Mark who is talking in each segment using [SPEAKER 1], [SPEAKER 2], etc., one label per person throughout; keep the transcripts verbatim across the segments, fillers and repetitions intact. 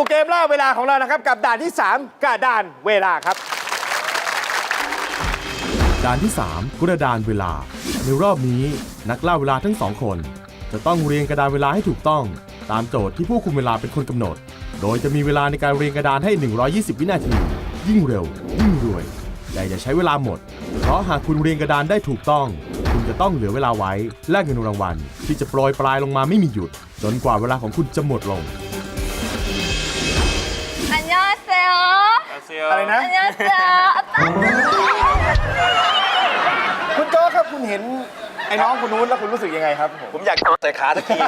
[SPEAKER 1] เกมล่าเวลาของเรานะครับกับด่านที่สามกระดานเวลาครับ
[SPEAKER 2] ด่านที่สามกระดานเวลาในรอบนี้นักล่าเวลาทั้งสองคนจะต้องเรียงกระดานเวลาให้ถูกต้องตามโจทย์ที่ผู้คุมเวลาเป็นคนกำหนดโดยจะมีเวลาในการเรียงกระดานให้หนึ่งร้อยยี่สิบวินาทียิ่งเร็วยิ่งรวยแต่อย่าใช้เวลาหมดเพราะหากคุณเรียงกระดานได้ถูกต้องคุณจะต้องเหลือเวลาไว้แลกเงินรางวัลที่จะโปรยปลายลงมาไม่มีหยุดจนกว่าเวลาของคุณจะหมดลง
[SPEAKER 3] อันยอเซล
[SPEAKER 1] อะไรนะ
[SPEAKER 3] อันยอเซล
[SPEAKER 1] คุณโจ้ครับคุณเห็นไอ้น้องคนนู้นแล้วคุณรู้สึกยังไงครับ
[SPEAKER 4] ผมอยากใส่ขาตะกี้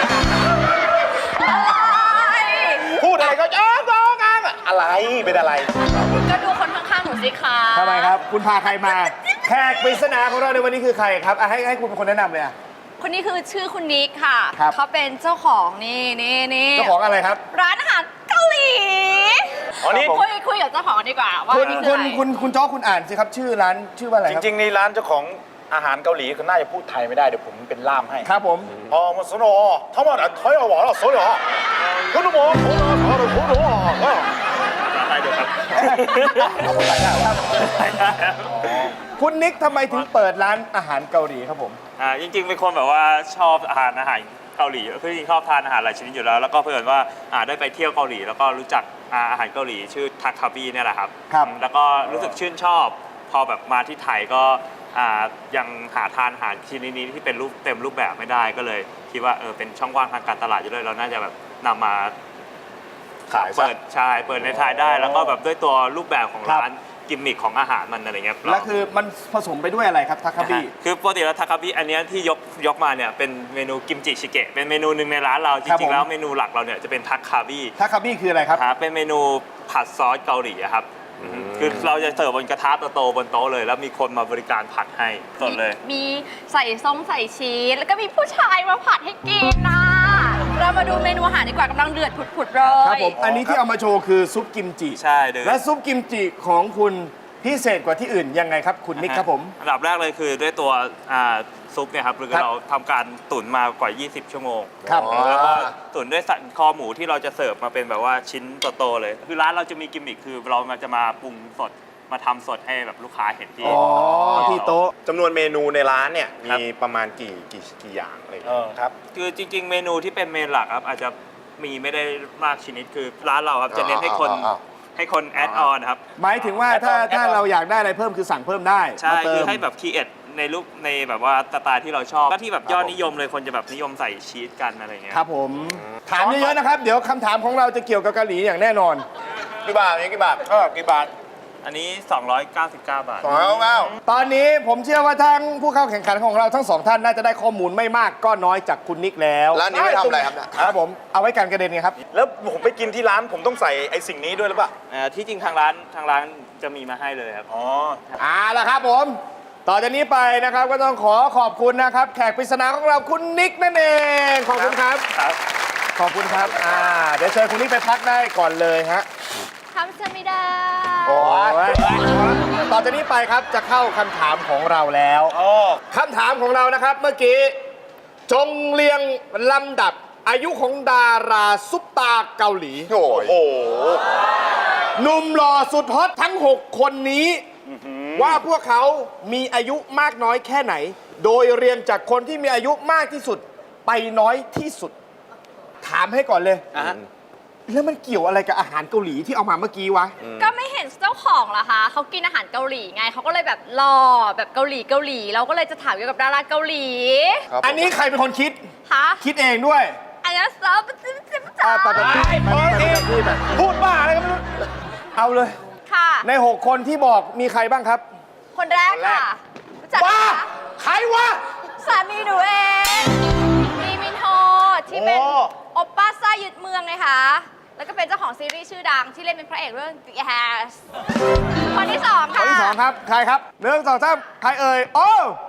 [SPEAKER 1] พูดอะไรก็จ้องจ้องกัน
[SPEAKER 4] อะไรเป็นอะไร
[SPEAKER 3] ก็ดูคนข้างๆหนูสิคะ
[SPEAKER 1] ทำไมครับคุณพาใครมาแขกปริศนาของเราในวันนี้คือใครครับให้ให้คุณเป็นคนแนะนำเลยอ่ะ
[SPEAKER 3] คนนี้คือชื่อคุณนิกค่ะ
[SPEAKER 1] ครับ
[SPEAKER 3] เขาเป็นเจ้าของนี่นี่นี่
[SPEAKER 1] เจ้าของอะไรครับ
[SPEAKER 3] ร้านอาหารเกาหลี
[SPEAKER 4] อ๋อนี่
[SPEAKER 3] คุยคุยกับเจ้าของดีกว่าว่า
[SPEAKER 1] คุณ
[SPEAKER 3] นี่คื
[SPEAKER 1] คุ
[SPEAKER 3] ออะไร
[SPEAKER 1] ณคุณคุณจ้อคุณอ่านสิครับชื่อร้านชื่อว่าอะไรค
[SPEAKER 4] จ
[SPEAKER 1] รับ
[SPEAKER 4] ริงๆนี่ร้านเจ้าของอาหารเกาหลีคือน่าจะพูดไทยไม่ได้เดี๋ยวผมเป็นล่ามให้
[SPEAKER 1] ครับผม
[SPEAKER 4] อ๋อมาสโนทำไมไทยเอาหวานเอาสวยเหรอคุณหมอคุณหมอคุณหมอไทยเดียวกันเอาคนไทยได้ครับ
[SPEAKER 1] คุณนิกทำไมถึงเปิดร้านอาหารเกาหลีครับผม
[SPEAKER 5] อ่าจริงๆเป็นคนแบบว่าชอบอาหารอาหารเกาหลีคือจริงๆชอบทานอาหารหลายชนิดอยู่แล้วแล้วก็เพื่อนว่าอ่าได้ไปเที่ยวเกาหลีแล้วก็รู้จักอาหารเกาหลีชื่อทักคาบีเนี่ยแหละครับ
[SPEAKER 1] ครับ
[SPEAKER 5] แล้วก็รู้สึกชื่นชอบพอแบบมาที่ไทยก็อ่ายังหาทานอาหารชนิดนี้ที่เป็นรูปเต็มรูปแบบไม่ได้ก็เลยคิดว่าเออเป็นช่องว่างทางการตลาดอยู่เลยเราน่าจะแบบนำมา
[SPEAKER 4] ขาย
[SPEAKER 5] เปิดใช่เปิดในไทยได้แล้วก็แบบด้วยตัวรูปแบบของร้านกิมมิคของอาหารมันอะไรเงี้ย
[SPEAKER 1] แล้วคือมันผสมไปด้วยอะไรครับทาคาบิ
[SPEAKER 5] คือปกติแล้วทาคาบิอันนี้ที่ยกยกมาเนี่ยเป็นเมนูกิมจิชิเกะเป็นเมนูหนึ่งในร้านเราจริงๆแล้วเมนูหลักเราเนี่ยจะเป็นทาคาบิ
[SPEAKER 1] ทาคาบิคืออะไรครับ
[SPEAKER 5] เป็นเมนูผัดซอสเกาหลีครับคือเราจะเสิร์ฟบนกระทะโตๆบนโต๊ะเลยแล้วมีคนมาบริการผัดให้สดเลย
[SPEAKER 3] มีใส่ซองใส่ชีสแล้วก็มีผู้ชายมาผัดให้กินนะเรามาดูเมนูอาหารดีกว่ากำลังเดือดผุดๆเลย
[SPEAKER 1] ครับผมอันนี้ที่เอามาโชว์คือซุปกิมจิ
[SPEAKER 5] ใช่เลย
[SPEAKER 1] และซุปกิมจิของคุณพิเศษกว่าที่อื่นยังไงครับคุณนิกครับผม
[SPEAKER 5] อันดับแรกเลยคือด้วยตัวซุปเนี่ยครับคือเราทำการตุ๋นมากว่ายี่สิบชั่วโมง
[SPEAKER 1] ครับ
[SPEAKER 5] แล้วก็ตุ๋นด้วยสันคอหมูที่เราจะเสิร์ฟมาเป็นแบบว่าชิ้นโตๆเลยคือร้านเราจะมีกิมมิคคือเราจะมาปรุงสดมาทำสดให้แบบลูกค้าเห็นที่
[SPEAKER 1] ที่โต๊ะ
[SPEAKER 4] จำนวนเมนูในร้านเนี่ยมีประมาณกี่กี่กี่อย่างอะไรครับ
[SPEAKER 5] คือจริงๆเมนูที่เป็นเมนหลักครับอาจจะมีไม่ได้มากชนิดคือร้านเราครับจะเน้นให้คนให้คนแอดออนครับ
[SPEAKER 1] หมายถึงว่าถ้าถ้าเราอยากได้อะไรเพิ่มคือสั่งเพิ่มได้
[SPEAKER 5] ใช่คือให้แบบคีเอทในรูปในแบบว่าสไตล์ที่เราชอบก็ที่แบบยอดนิยมเลยคนจะแบบนิยมใส่ชีสกันอะไรเงี้ย
[SPEAKER 1] ครับผมถามเยอะๆนะครับเดี๋ยวคำถามของเราจะเกี่ยวกับเกาหลีอย่างแน่นอน
[SPEAKER 4] กี่บาทนี่กี่บาทก็กี่บาท
[SPEAKER 5] อันนี้สองร้อยเก้าสิบเก้าบาท
[SPEAKER 4] สองร้อยเก้าสิบเก้า
[SPEAKER 1] ตอนนี้ผมเชื่อว่าทั้งผู้เข้าแข่งขันของเราทั้งสองท่านน่าจะได้ข้อมูลไม่มากก็น้อยจากคุณนิกแล้ว
[SPEAKER 4] ร้านนี้ไม่ทำอะไรครับ
[SPEAKER 1] ครับผมเอาไว้การกระเด็นไงครับ
[SPEAKER 4] แล้วผมไปกินที่ร้านผมต้องใส่ไอ้สิ่งนี้ด้วยหรือเปล่า
[SPEAKER 5] ที่จริงทางร้านทางร้านจะมีมาให้เลยครับ
[SPEAKER 4] อ๋อ
[SPEAKER 1] อ่าละครับผมต่อจากนี้ไปนะครับก็ต้องขอขอบคุณนะครับแขกปริศนาของเราคุณนิกนั่นเองขอบคุณครับขอบคุณครับอ่าเดี๋ยวเชิญคุณนิกไปพักได้ก่อนเลยฮะ
[SPEAKER 3] ทำจะไม่ได้
[SPEAKER 1] โอ้ยต่อจากนี้ไปครับจะเข้าคำถามของเราแล้วคำถามของเรานะครับเมื่อกี้จงเรียงลำดับอายุของดาราซุปตาเกาหลี
[SPEAKER 4] โอ้โห
[SPEAKER 1] หนุ่มหล่อสุดฮอตทั้งหกคนนี้ว่าพวกเขามีอายุมากน้อยแค่ไหนโดยเรียงจากคนที่มีอายุมากที่สุดไปน้อยที่สุดถามให้ก่อนเลยแล้วมันเกี่ยวอะไรกับอาหารเกาหลีที่เอามาเมื่อกี้วะ
[SPEAKER 3] ก็ไม่เห็นเจ้าของเหรอคะเขากินอาหารเกาหลีไงเขาก็เลยแบบหล่อแบบเกาหลีเกาหลีเราก็เลยจะถามเกี่ยวกับดาราเกาหลี
[SPEAKER 1] อันนี้ใครเป็นคนคิด
[SPEAKER 3] คะ
[SPEAKER 1] คิดเองด้วย
[SPEAKER 3] อันนี้ซอฟต์จิ๊บจิ๊บจ๋า
[SPEAKER 1] พูดบ้าอะไรก็ไม่รู้เอาเลย
[SPEAKER 3] ค่ะ
[SPEAKER 1] ในหกคนที่บอกมีใครบ้างครับ
[SPEAKER 3] คนแรกค่ะ
[SPEAKER 1] ว้าใครวะ
[SPEAKER 3] สามีหนูเองมีมินโฮที่เป็นโอปป้าซ่ายึดเมืองไงคะแล้วก็เป็นเจ้าของซีรีส์ชื่อดังที่เล่นเป็นพระเอกเรื่อง The House คนที่สองค่ะ
[SPEAKER 1] คนที่สองครับใครครับหนึ่งสองสามใครเอ่ยโอ้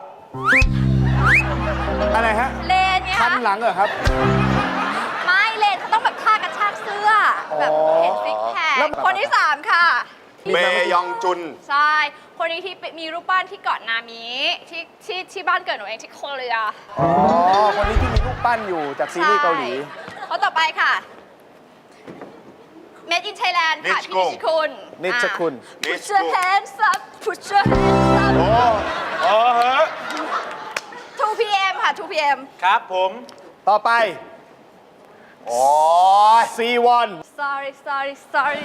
[SPEAKER 1] อะไรฮะ
[SPEAKER 3] เลนเนี่ย
[SPEAKER 1] คันหลังเหรอครับ
[SPEAKER 3] ไม่เลนเขาต้องแบบท่ากระชากเสื้อแบบเห็นซิกแพคคนที่สามค่ะ
[SPEAKER 4] เมยองจุน
[SPEAKER 3] ใช่คนนี้ที่มีรูปปั้นที่เกาะนามิที่ที่ที่บ้านเกิดหนูเองที่โคเรีย
[SPEAKER 1] อ๋อคนนี้ที่มีรูปปั้นอยู่จากซีรีส์เกาหลี
[SPEAKER 3] คนต่อไปค่ะ Made in Thailand ค่ะ
[SPEAKER 4] นิช
[SPEAKER 3] พี่
[SPEAKER 4] กุล
[SPEAKER 3] นิชคุณ
[SPEAKER 1] นิชคุณ
[SPEAKER 3] อ่ะ Put your hands up Put your hands up
[SPEAKER 4] โอ้เออฮะ
[SPEAKER 3] ทู พี เอ็ม ค่ะ ทู พี เอ็ม
[SPEAKER 4] ครับผม
[SPEAKER 1] ต่อไป
[SPEAKER 4] โอ้ย
[SPEAKER 1] ซี วัน
[SPEAKER 3] sorry sorry sorry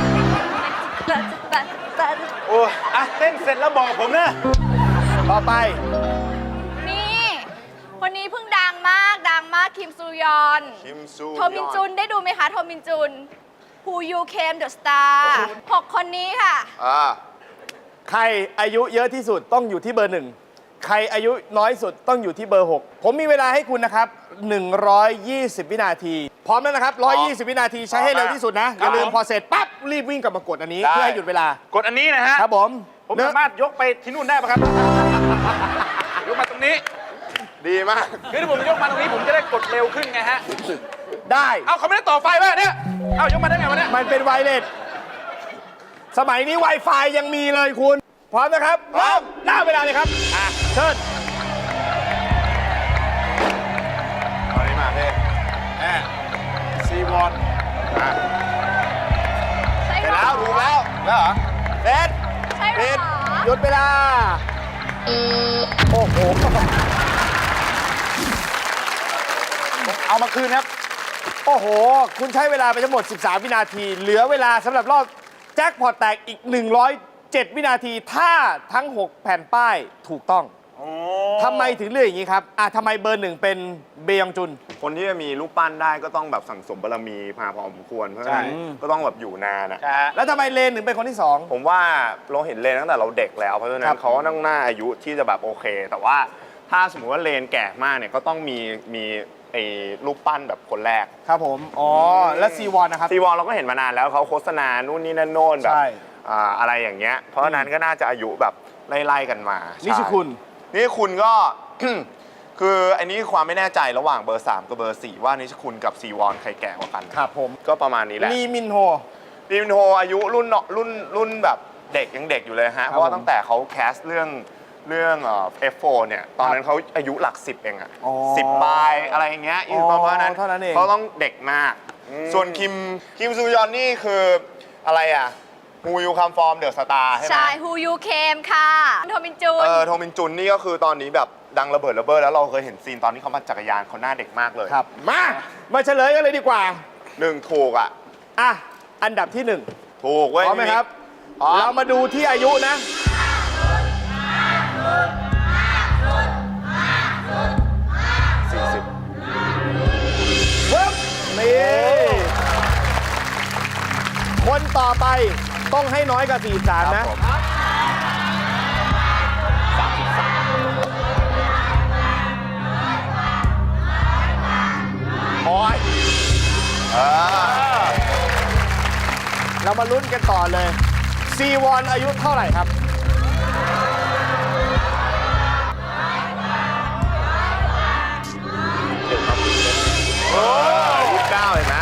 [SPEAKER 4] โอ้ยอ่ะเต้นเสร็จแล้วบอกผมนะ
[SPEAKER 1] ต่อไป
[SPEAKER 3] นี่คนนี้เพิ่งดังมากดังมากคิมซูยอน
[SPEAKER 4] คิมซู
[SPEAKER 3] โทมินจุนได้ดูไหมคะโทมินจุน Who You Came the Star หกคนนี้ค่ะ
[SPEAKER 4] อ่า
[SPEAKER 1] ใครอายุเยอะที่สุดต้องอยู่ที่เบอร์หนึ่งใครอายุน้อยสุดต้องอยู่ที่เบอร์หกผมมีเวลาให้คุณนะครับหนึ่งร้อยยี่สิบวินาที พร้อมแล้วนะครับหนึ่งร้อยยี่สิบวินาทีใช้ให้เร็วที่สุดนะ อย่าลืมพอเสร็จปั๊บรีบวิ่งกลับมากดอันนี้ เพื่อให้หยุดเวลาก
[SPEAKER 4] ดอันนี้นะฮะ
[SPEAKER 1] ครับผม
[SPEAKER 4] ผม
[SPEAKER 1] เนื้อ
[SPEAKER 4] สามารถยกไปที่นู่นได้ปะครับ ยกมาตรงนี้ ดีมากคือถ้าผมยกมาตรงนี้ผมจะได้กดเร็วขึ้นไงฮะ
[SPEAKER 1] ได้
[SPEAKER 4] เอาเขาไม่ได้ต่อไฟป่ะเนี่ย เอายกมาได้ไงวะเนี่ย
[SPEAKER 1] มันเป็นไวเลสสมัยนี้ Wi-Fi ยังมีเลยคุณ พร้อมนะครับพร้อมหน้าเวลาเลยครับอ่ะเชิญ
[SPEAKER 4] เอานี้มาพี่แอบซีวอนอ่ะ
[SPEAKER 3] ใช่
[SPEAKER 4] ไป
[SPEAKER 3] เหร
[SPEAKER 4] แล้
[SPEAKER 3] อ
[SPEAKER 4] วถูกแล้ว แล้วเหรอเด็ด
[SPEAKER 3] ใช่เหรอ
[SPEAKER 1] หยุดเวลา โอ้โห
[SPEAKER 4] เอามาคืนครับ
[SPEAKER 1] โอ้โห คุณใช้เวลาไปทั้งหมด สิบสาม วินาที เหลือเวลาสำหรับรอบแจ็คพอตแตกอีก หนึ่งร้อยเจ็ด วินาที ถ้าทั้ง หก แผ่นป้ายถูกต้องทำไมถึงเลือกอย่างนี้ครับอ่ะทำไมเบอร์หนึ่งเป็นเบยองจุน
[SPEAKER 6] คนที่จะมีรูปปั้นได้ก็ต้องแบบสั่งสมบารมีมาพอสมควร เพราะฉะนั้น
[SPEAKER 4] ใช่
[SPEAKER 6] ก็ต้องแบบอยู่นานอะ
[SPEAKER 4] ใช่ฮะ
[SPEAKER 1] แล้วทำไมเลนถึงเป็นคนที่สอง
[SPEAKER 6] ผมว่าเราเห็นเลนตั้งแต่เราเด็กแล้ว เพราะฉะนั้
[SPEAKER 1] ครั
[SPEAKER 6] น
[SPEAKER 1] บ
[SPEAKER 6] เขาก็ต้องหน้าอายุที่จะแบบโอเค แต่ว่าถ้าสมมติว่าเลนแก่มากเนี่ยก็ต้องมีมีไอ้รูปปั้นแบบคนแรก
[SPEAKER 1] ครับผม อ๋อ และซีวอนนะครับ
[SPEAKER 6] ซีวอลเราก็เห็นมานานแล้วเขาโฆษณานู่นนี่นั่นโน่นแบบ
[SPEAKER 1] ใช่
[SPEAKER 6] อ่าอะไรอย่างเงี้ย เพราะฉะนั้นก็น่าจะอายุแบบไล่ๆกันมา
[SPEAKER 1] นิ
[SPEAKER 6] นี่
[SPEAKER 1] ชคุณ
[SPEAKER 6] นี่คุณก็ คืออันนี้ความไม่แน่ใจระหว่างเบอร์สามกับเบอร์สี่ว่านิชคุณกับซีวอนใครแก่กว่ากัน
[SPEAKER 1] ครับผม
[SPEAKER 6] ก็ประมาณนี้แหละ
[SPEAKER 1] ลีมินโฮ
[SPEAKER 6] ลีมินโฮอายุรุ่นเนาะรุ่นรุ่นแบบเด็กยังเด็กอยู่เลยฮะ เพราะว่า
[SPEAKER 1] ผม
[SPEAKER 6] ตั้งแต่เขาแคสเรื่องเรื่องเอ่อ เอฟ โฟร์ เนี่ย ตอนนั้นเขาอายุหลักสิบเองอะ
[SPEAKER 1] อ๋อ
[SPEAKER 6] สิบปลายอะไรอย่างเงี้ย
[SPEAKER 1] อ๋อ
[SPEAKER 6] เพราะฉะนั้น
[SPEAKER 1] เท่านั้นเอง
[SPEAKER 6] เขาต้องเด็กมาก ส่วนคิมคิมซูยอนนี่คืออะไรอะฮูยูคัมฟอร์มเดอะสตาร์ใช่ไหม
[SPEAKER 3] ใช่ Who You Came ค่ะโทมินจุน
[SPEAKER 6] เออโทมินจุนนี่ก็คือตอนนี้แบบดังระเบิดระเบ้อแล้วเราเคยเห็นซีนตอนที่เขามาจักรยานเขาหน้าเด็กมากเลย
[SPEAKER 1] ครับ มา มาเฉลยกันเลยดีกว่า
[SPEAKER 6] หนึ่งถูกอะ
[SPEAKER 1] อ่ะ อันดับที่หนึ่ง
[SPEAKER 6] ถูกเว้ย
[SPEAKER 1] พร้อมไหมครับ
[SPEAKER 6] พร้อม
[SPEAKER 1] เรามาดูที่อายุนะสี่สิบเวิร์บนี่คนต่อไปต้องให้น้อยกว่าสี่สิบสามนะ
[SPEAKER 6] โอ้ยเออ
[SPEAKER 1] เรามาลุ้นกันต่อเลยซีวอนอายุเท่าไหร่ครับ
[SPEAKER 6] โอ้ยี่สิบเก้าเห็นไหม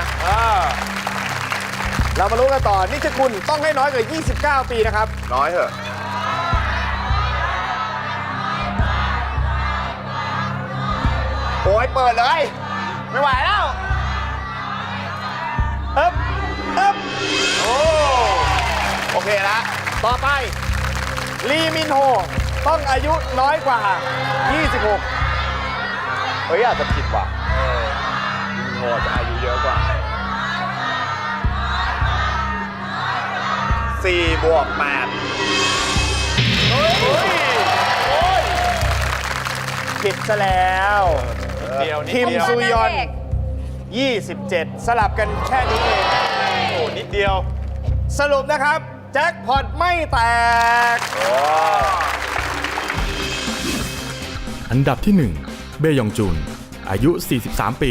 [SPEAKER 1] เรามาลุ้นกันต่อ นิชคุณต้องให้น้อยกว่ายี่สิบเก้า ปีนะครับ
[SPEAKER 6] น้อยเถอะ โอ้ยเปิดเลย ไม่ไหวแล้ว
[SPEAKER 1] เอ๊บเอ๊บ
[SPEAKER 6] โอ้โอเคละ
[SPEAKER 1] ต่อไป ลีมินโฮต้องอายุน้อยกว่า ยี่สิบหก
[SPEAKER 6] เฮ้ยอาจจะผิดว่ะโอ้จะอายุเยอะกว่าสี่บวกแปด
[SPEAKER 1] ผิดซะแล้ว
[SPEAKER 4] เดียวนิด
[SPEAKER 1] คิม
[SPEAKER 4] เดียว
[SPEAKER 1] ซูยอน
[SPEAKER 3] เด็ก
[SPEAKER 1] ยี่สิบเจ็ด สลับกันแค่นี้เอง
[SPEAKER 4] โอ้นิดเดียว
[SPEAKER 1] สรุปนะครับ แจ็คพอตไม่แตก
[SPEAKER 2] อันดับที่หนึ่งเบยองจุน อายุ สี่สิบสาม ปี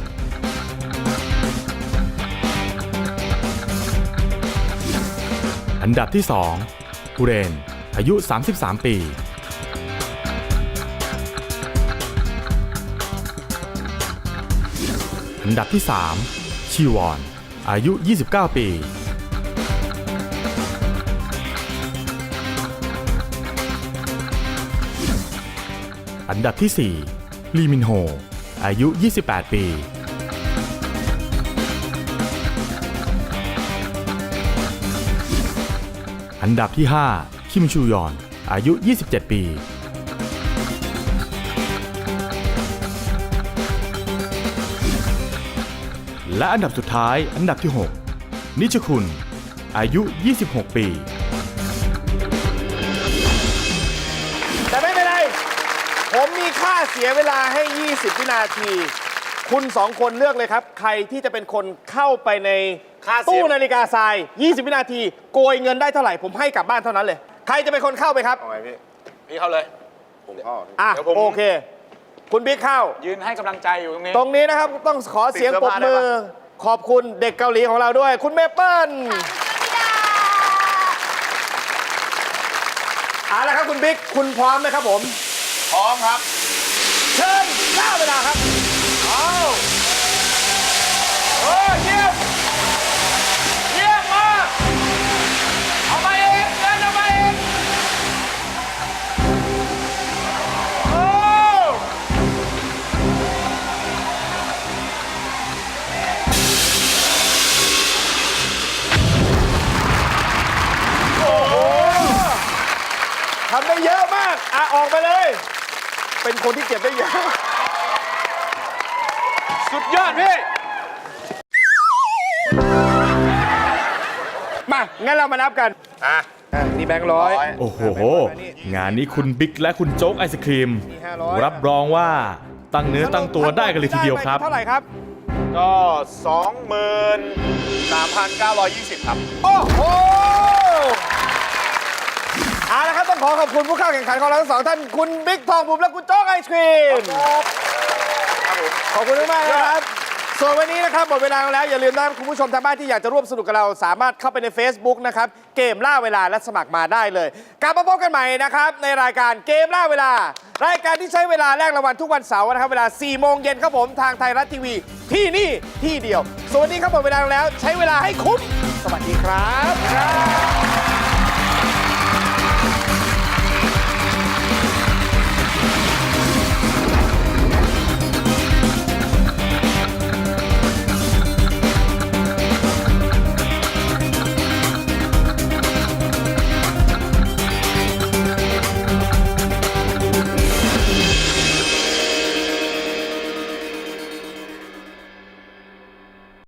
[SPEAKER 2] อันดับที่สองฮูเรน อายุ สามสิบสาม ปี อันดับที่สามชีวอน อายุ ยี่สิบเก้า ปี อันดับที่สี่ลีมินโฮ อายุ ยี่สิบแปด ปีอันดับที่ ห้า คิมชูยอน อายุ ยี่สิบเจ็ด ปี และอันดับสุดท้าย อันดับที่ หก นิชคุณ อายุ ยี่สิบหก ปี
[SPEAKER 1] แต่ไม่เป็นไร ผมมีค่าเสียเวลาให้ ยี่สิบ วินาที คุณสองคนเลือกเลยครับ ใครที่จะเป็นคนเข้าไปใน
[SPEAKER 4] ค่าเสีย
[SPEAKER 1] ตู้นาฬิกาทราย ยี่สิบ วินาที โกยเงินได้เท่าไหร่ ผมให้กลับบ้านเท่านั้นเลย ใครจะเป็นคนเข้าไปครับ
[SPEAKER 6] เอาไงพี่
[SPEAKER 4] พี่เข้าเลย
[SPEAKER 6] ผมเข้า
[SPEAKER 1] อ่ะ
[SPEAKER 4] เดี๋ยวผม
[SPEAKER 1] โอเค คุณบิ๊กเข้า
[SPEAKER 4] ยืนให้กำลังใจอยู่ตรงนี้
[SPEAKER 1] ตรงนี้นะครับต้องขอเสียงปรบมือ ขอบคุณเด็กเกาหลีของเราด้วย คุณเมเปิ้ลเอาละครับคุณบิ๊กคุณพร้อมไหมครับผม
[SPEAKER 4] พร้อมครับ
[SPEAKER 1] เชิญหน้าเวลาครับ
[SPEAKER 4] เอาเออเยี่ยมเยี่ยมมากเอามาเองเดินเอามาเองโอ้
[SPEAKER 1] ทำได้เยอะมาก อ่ะ ออกไปเลย เป็นคนที่เก็บได้เยอะ
[SPEAKER 4] สุดยอดพี่
[SPEAKER 1] มา งั้นเรามานับกัน
[SPEAKER 6] อ่ะ
[SPEAKER 1] อ่ะนี่แบงค์ร้อย
[SPEAKER 6] ร้อย
[SPEAKER 2] โอ้โห งานนี้คุณบิ๊กและคุณโจ๊กไอศครีม
[SPEAKER 1] มีห้าร้อย
[SPEAKER 2] รับรองว่าตั้งเนื้อตั้งตัวได้กันเลยทีเดียวครับ
[SPEAKER 1] ไเท่าไหร่ครับ
[SPEAKER 6] ก็ สองหมื่นสามพันเก้าร้อยยี่สิบ ครับ
[SPEAKER 1] โอ้โหเอาละครับต้องขอขอบคุณผู้เข้าแข่งขันของเราทั้งสองท่าน คุณบิ๊กทองบุ๋มและคุณโจ๊กไอศครีม ขอบคุณมากๆนะครับ ส่วนวันนี้นะครับหมดเวลาแล้วอย่าลืมนะคุณผู้ชมทางบ้านที่อยากจะร่วมสนุกกับเราสามารถเข้าไปใน Facebook นะครับเกมล่าเวลาและสมัครมาได้เลยกลับมาพบกันใหม่นะครับในรายการเกมล่าเวลา รายการที่ใช้เวลาแลกรางวัลทุกวันเสาร์นะครับเวลาสี่โมงเย็นครับผมทางไทยรัฐทีวีที่นี่ที่เดียวส่วนวันนี้ครับหมดเวลาแล้วใช้เวลาให้คุ้มสวัสดีครับ